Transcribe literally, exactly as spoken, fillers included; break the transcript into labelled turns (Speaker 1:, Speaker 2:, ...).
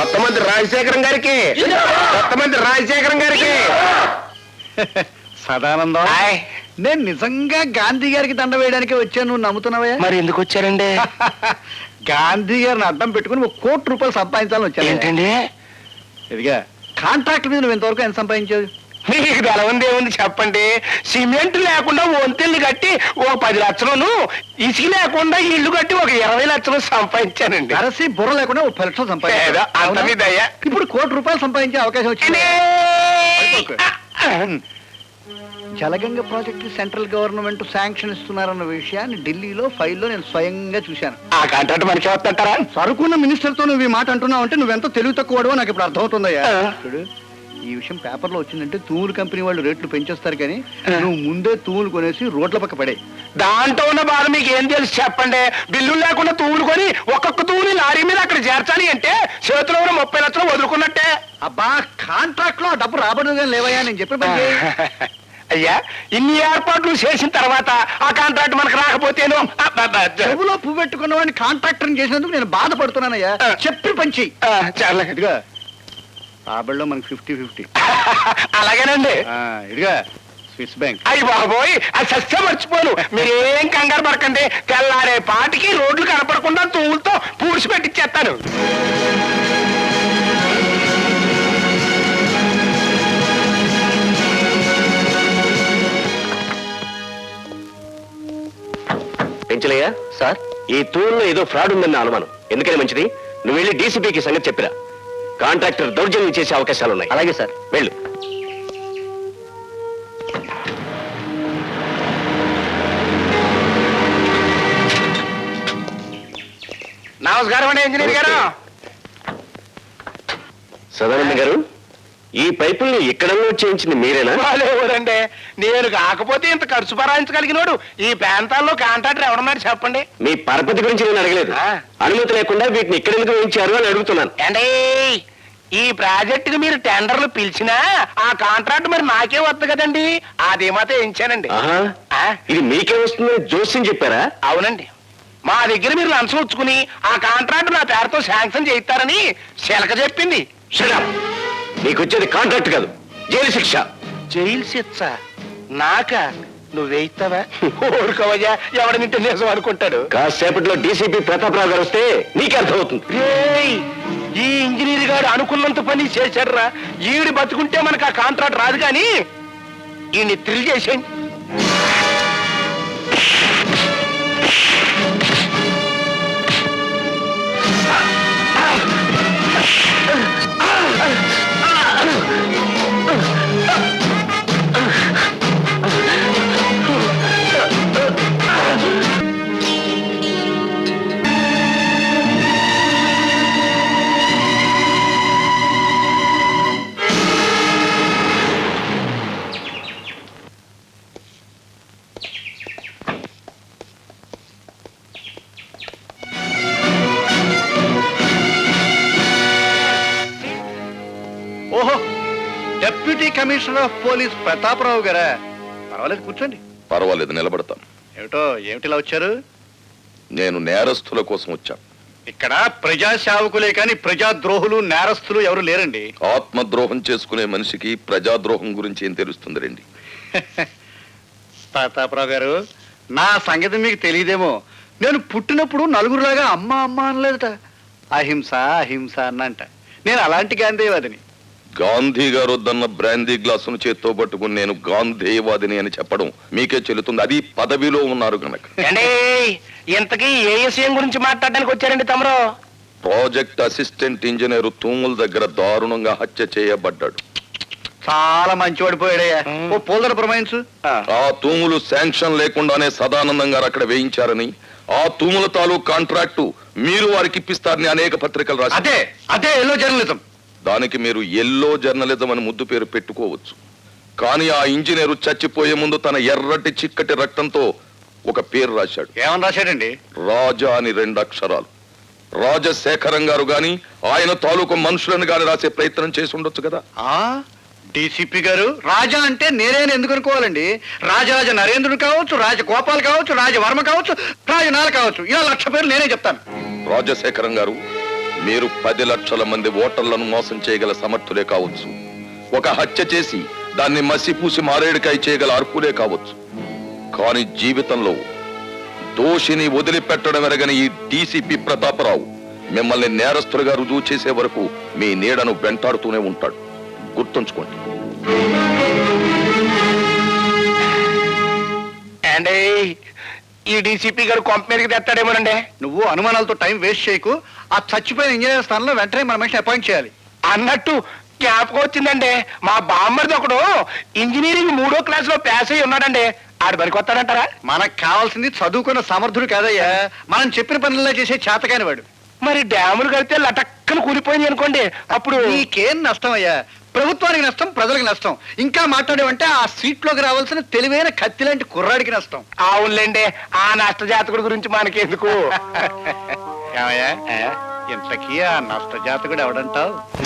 Speaker 1: కొత్త మంత్రి రాజశేఖరం గారికి, కొత్త మంత్రి రాజశేఖరం గారికి.
Speaker 2: సదానందం, నేను నిజంగా గాంధీ గారికి దండ వేయడానికి వచ్చాను, నువ్వు నమ్ముతున్నావా?
Speaker 1: మరి ఎందుకు వచ్చారండి?
Speaker 2: గాంధీ గారిని అడ్డం పెట్టుకుని ఒక కోటి రూపాయలు సంపాదించాలని వచ్చాను.
Speaker 1: ఏంటండి?
Speaker 2: ఇదిగా కాంట్రాక్ట్ మీద నువ్వు ఇంతవరకు ఎంత సంపాదించావు?
Speaker 1: మీకు తెలవంది ఏముంది చెప్పండి. సిమెంట్ లేకుండా వంతెల్ని కట్టి ఓ పది లక్షలను, ఇసుక లేకుండా ఇల్లు కట్టి ఒక ఇరవై లక్షలు సంపాదించానండి.
Speaker 2: అరసి బుర్ర లేకుండా ఒక పది లక్షలు సంపాదించా. ఇప్పుడు కోటి రూపాయలు సంపాదించే అవకాశం వచ్చింది. Jalaganga project central government sanction ఇస్తున్నారన్న విషయాన్ని ఢిల్లీలో ఫైల్లో నేను స్వయంగా చూశాను.
Speaker 1: ఆ కాంట్రాక్ట్ మనకి వస్తుంటారా?
Speaker 2: సరుకున్న మినిస్టర్ తో నువ్వు ఈ మాట అంటున్నావు అంటే నువ్వెంతో తెలివి తక్కువడో నాకు ఇప్పుడు అర్థమవుతుందయ్యా. చూడు, ఈ విషయం పేపర్లో వచ్చిందంటే తూములు కంపెనీ వాళ్ళు రేట్లు పెంచేస్తారు, కానీ నువ్వు ముందే తూములు కొనేసి రోడ్ల పక్క పడే.
Speaker 1: దాంట్లో ఉన్న బాధ మీకు ఏం తెలుసు చెప్పండి. బిల్లులు లేకుండా తూములు కొని ఒక్కొక్క తూముని లారీ మీద అక్కడ చేర్చాలి అంటే చేతిలో ఉన్న ముప్పై లక్షలు వదులుకున్నట్టే.
Speaker 2: అబ్బా, కాంట్రాక్ట్ లో డబ్బు రాబడుగా లేవయ్యా, నేను చెప్పిన
Speaker 1: అయ్యా ఇన్ని ఏర్పాట్లు చేసిన తర్వాత ఆ కాంట్రాక్ట్ మనకు రాకపోతేను
Speaker 2: చెవులో పువ్వు పెట్టుకున్న వాడిని కాంట్రాక్టర్ చేసినందుకు నేను బాధపడుతున్నానయ్యా. చెప్పి పంచి
Speaker 1: చాలా
Speaker 2: ఇదిగా రాబడిలో మనకి ఫిఫ్టీ ఫిఫ్టీ.
Speaker 1: అలాగేనండి.
Speaker 2: ఇదిగా స్విస్ బ్యాంక్.
Speaker 1: అయ్యి బాబోయ్, అది సస్య మర్చిపోను. మీరేం కంగారు పడకండి. తెల్లారే పాటికి రోడ్లు కనపడకుండా తూములతో పూడ్చి పెట్టిచ్చేస్తాను. పెంచలయ్యా సార్, ఈ తూరులో ఏదో ఫ్రాడ్ ఉందన్న అనుమానం. ఎందుకని మంచిది, నువ్వు వెళ్ళి డీసీపీకి సంగతి చెప్పిరా. కాంట్రాక్టర్ దౌర్జన్యం చేసే అవకాశాలు ఉన్నాయి. అలాగే సార్, వెళ్ళు. నమస్కారం అండి ఇంజనీర్ గారు. సదానంద గారు, ఈ పైపుల్ని ఇక్కడ చేయించింది మీరేనా? వాళ్ళెవరండి, నేను కాకపోతే ఇంత ఖర్చు భరాయించగలిగినోడు ఈ ప్రాంతాల్లో కాంట్రాక్టర్ ఎవడన్నారు చెప్పండి. మీ పరపతి గురించి నేను అడగలేదు. అనుమతి లేకుండా వీటిని ఇక్కడ ఎందుకు వేయించారు అని అడుగుతున్నాను. అంటే ఈ ప్రాజెక్టుకి మీరు టెండర్లు పిలిచినా ఆ కాంట్రాక్ట్ మరి నాకే వద్దు కదండి, అది మాత్రం వేయించానండి. ఇది మీకే వస్తుందని జోస్యం చెప్పారా? అవునండి. మా దగ్గర మీరు లంచం ఉంచుకుని ఆ కాంట్రాక్ట్ నా పేరుతో శాంక్షన్ చేయిస్తారని శిలక చెప్పింది. నీకు వచ్చేది కాంట్రాక్ట్ కాదు, జైలు శిక్ష. జైలు శిక్ష నాక? నువ్వేయిస్తావా? ఊరుకోవయ్యా, ఎవడ నింటే నిజం అనుకుంటాడు. కాసేపట్లో డీసీపీ ప్రతాపరావు గారు వస్తే నీకే అర్థమవుతుంది. ఈ ఇంజనీర్ గారు అనుకున్నంత పని చేశారా? ఈడు బతుకుంటే మనకు ఆ కాంట్రాక్ట్ రాదు, కానీ ఈయన్ని థ్రిల్ చేసేయండి.
Speaker 2: ఓహో, deputy commissioner of police Prataparao గారా? పర్వాలేదు, కూర్చోండి.
Speaker 3: పర్వాలేదు, నిలబడతాను.
Speaker 2: ఏమిటో ఏమిటిలా వచ్చారు?
Speaker 3: నేను నేరస్తుల కోసం వచ్చాను.
Speaker 2: ఇక్కడ ప్రజా సేవకులే కానీ ప్రజాద్రోహులు నేరస్తులు ఎవరు లేరండి.
Speaker 3: ఆత్మద్రోహం చేసుకునే మనిషికి ప్రజాద్రోహం గురించి ఏం తెలుస్తుంది రండి.
Speaker 2: ప్రతాపరావు గారు, నా సంగతి మీకు తెలియదేమో. నేను పుట్టినప్పుడు నలుగురులాగా అమ్మ అమ్మ అనలేదట, అహింస అహింస అన్నంట. నేను అలాంటి గాంధీవాదిని.
Speaker 3: గాంధీ గారు వద్దన్న బ్రాందీ గ్లాసును చేత్తో పట్టుకుని నేను గాంధీవాదిని అని చెప్పడం మీకే చెల్లుతుంది, అది పదవిలో ఉన్నారు కనుక.
Speaker 1: ఇంతకీ ఏ విషయం గురించి మాట్లాడడానికి వచ్చారండి తమరు?
Speaker 3: ప్రాజెక్ట్ అసిస్టెంట్ ఇంజనీర్ తూముల దగ్గర దారుణంగా హత్య చేయబడ్డాడు.
Speaker 2: చాలా మంచివాడు పోయాడయ్యా. ఓ పోల్దర ప్రమాయించు.
Speaker 3: ఆ తూములు శాంక్షన్ లేకుండానే సదానందం గారు అక్కడ వేయించారని, ఆ తూముల తాలూకు కాంట్రాక్టు మీరు వారికి ఇప్పిస్తారని అనేక పత్రికలు రాశారు.
Speaker 2: అదే అదే ఎల్లో జర్నలిజం.
Speaker 3: దానికి మీరు ఎల్లో జర్నలిజం అని ముద్దు పేరు పెట్టుకోవచ్చు, కానీ ఆ ఇంజనీరు చచ్చిపోయే ముందు తన ఎర్రటి చిక్కటి రక్తంతో ఒక పేరు రాశాడు.
Speaker 2: ఏమని రాశాడండి?
Speaker 3: రాజా అని రెండు అక్షరాలు. రాజశేఖరం గారు గాని ఆయన తాలూకు మనుషులను గాని రాసే ప్రయత్నం చేసి ఉండొచ్చు కదా.
Speaker 2: ఆ డీసీపీ గారు, రాజా అంటే నేనేని ఎందుకు అనుకోవాలండి? రాజరాజ నరేంద్రుడు కావచ్చు, రాజగోపాల్ కావచ్చు, రాజవర్మ కావచ్చు, రాజనాల కావచ్చు, ఇలా లక్ష పేర్లు నేనే చెప్తాను.
Speaker 3: రాజశేఖరం గారు, మీరు పది లక్షల మంది ఓటర్లను మోసం చేయగల సమర్థులే కావచ్చు, ఒక హత్య చేసి దాన్ని మసిపూసి మారేడుకాయ చేయగల అర్హులే కావచ్చు. కానీ జీవితంలో దోషిని వదిలిపెట్టడం ఎరగని ఈ డీసీపీ ప్రతాపరావు మిమ్మల్ని నేరస్తులుగా రుజువు చేసే వరకు మీ నీడను వెంటాడుతూనే ఉంటాడు. గుర్తుంచుకోండి.
Speaker 1: అండి ఈ డీసీపీ గారు కొంప మీదకి తెస్తాడేమోనండి.
Speaker 2: నువ్వు అనుమానాలతో టైం వేస్ట్ చేయకు. ఆ చచ్చిపోయిన ఇంజనీర్ స్థానంలో వెంటనే మన మనిషిని అపాయింట్ చేయాలి.
Speaker 1: అన్నట్టు జ్ఞాపకం వచ్చిందండి, మా బామ్మర్ది ఒకడు ఇంజనీరింగ్ మూడో క్లాస్ లో పాస్ అయ్యి ఉన్నాడండి. ఆడు పనికొస్తాడంటారా?
Speaker 2: మనకు కావాల్సింది చదువుకున్న సమర్థుడు కాదయ్యా, మనం చెప్పిన పనుల్లో చేసే చేతకాని వాడు.
Speaker 1: మరి డ్యాములు కడితే లటక్కన కూలిపోయింది అనుకోండి, అప్పుడు
Speaker 2: నీకేం నష్టం అయ్యా? ప్రభుత్వానికి నష్టం, ప్రజలకు నష్టం. ఇంకా మాట్లాడేవంటే ఆ సీట్ లోకి రావాల్సిన తెలివైన కత్తి లాంటి కుర్రాడికి నష్టం.
Speaker 1: అవునులేండి, ఆ నష్ట జాతకుడి గురించి మనకెందుకు.
Speaker 2: ఏమయ్యా, ఇంతకీ ఆ నష్ట జాతకుడు ఎవడంటావు?